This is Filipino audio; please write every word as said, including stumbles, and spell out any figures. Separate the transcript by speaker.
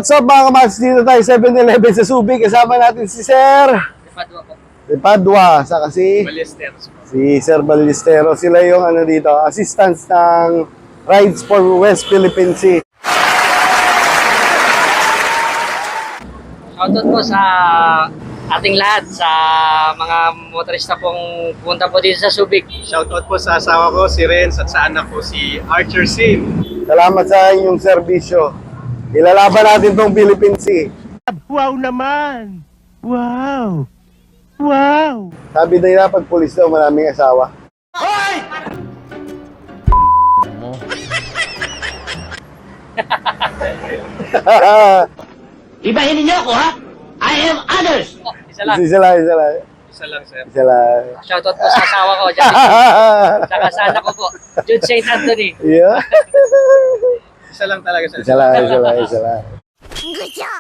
Speaker 1: What's up mga kamads? Dito tayo seven eleven sa Subic. Kasama natin si Sir
Speaker 2: Padua po.
Speaker 1: De Padua, saka si
Speaker 2: Ballesteros po.
Speaker 1: si Sir Ballestero. Sila yung ano dito, assistants ng Rides for West Philippine Sea.
Speaker 2: Shoutout po sa ating lahat, sa mga motorista pong pumunta po dito sa Subic.
Speaker 3: Shoutout po sa asawa ko, si Renz, at sa anak ko, si Archer Sim.
Speaker 1: Salamat sa inyong serbisyo. Ilalaban natin tong Philippine Sea.
Speaker 4: Wow naman! Wow! Wow!
Speaker 1: Sabi nila pag pulis daw, maraming asawa.
Speaker 4: Hoy! Ibahin ninyo ako, ha? I am others!
Speaker 2: Oh, isa lang.
Speaker 1: Isa lang, isa lang.
Speaker 3: Isa lang, sir.
Speaker 1: Isa lang.
Speaker 2: Shoutout po sa asawa ko, dyan. Saka sa anak ko po, Jude Saint Anthony.
Speaker 1: Yeah.
Speaker 3: Isa lang talaga, sir.
Speaker 1: Isa lang, isa lang, isa lang.